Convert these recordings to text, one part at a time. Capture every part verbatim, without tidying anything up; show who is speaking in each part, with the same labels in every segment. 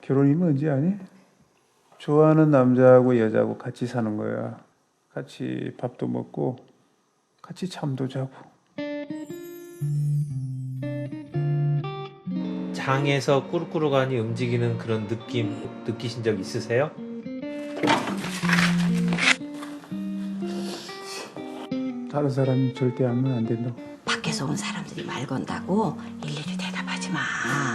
Speaker 1: 결혼이 뭔지 아니? 좋아하는 남자하고 여자하고 같이 사는 거야. 같이 밥도 먹고 같이 잠도 자고.
Speaker 2: 장에서 꾸룩꾸룩하니 움직이는 그런 느낌 느끼신 적 있으세요?
Speaker 1: 다른 사람 절대 알면 안 된다고.
Speaker 3: 밖에서 온 사람들이 말 건다고 일일이 대답하지 마.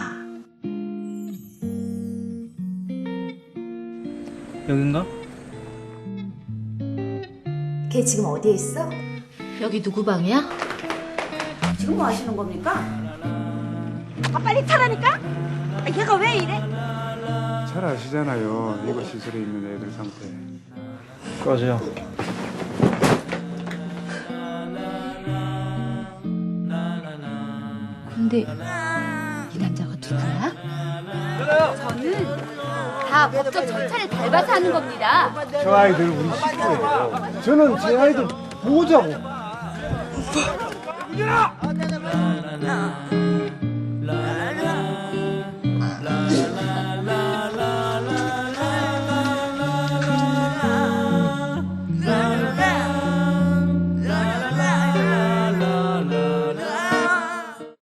Speaker 4: 여긴가?
Speaker 5: 걔 지금 어디에 있어?
Speaker 6: 여기 누구 방이야?
Speaker 5: 지금 뭐 하시는 겁니까? 아 빨리 타라니까? 아, 얘가 왜 이래?
Speaker 1: 잘 아시잖아요. 이거 시설에 있는 애들 상태.
Speaker 4: 꺼져.
Speaker 6: 근데 이 남자가 누구야? 저는 다 법적 절차를 밟아서 하는 겁니다.
Speaker 1: 저 아이들 우리 식구예요. 저는 제 아이들 보호자고.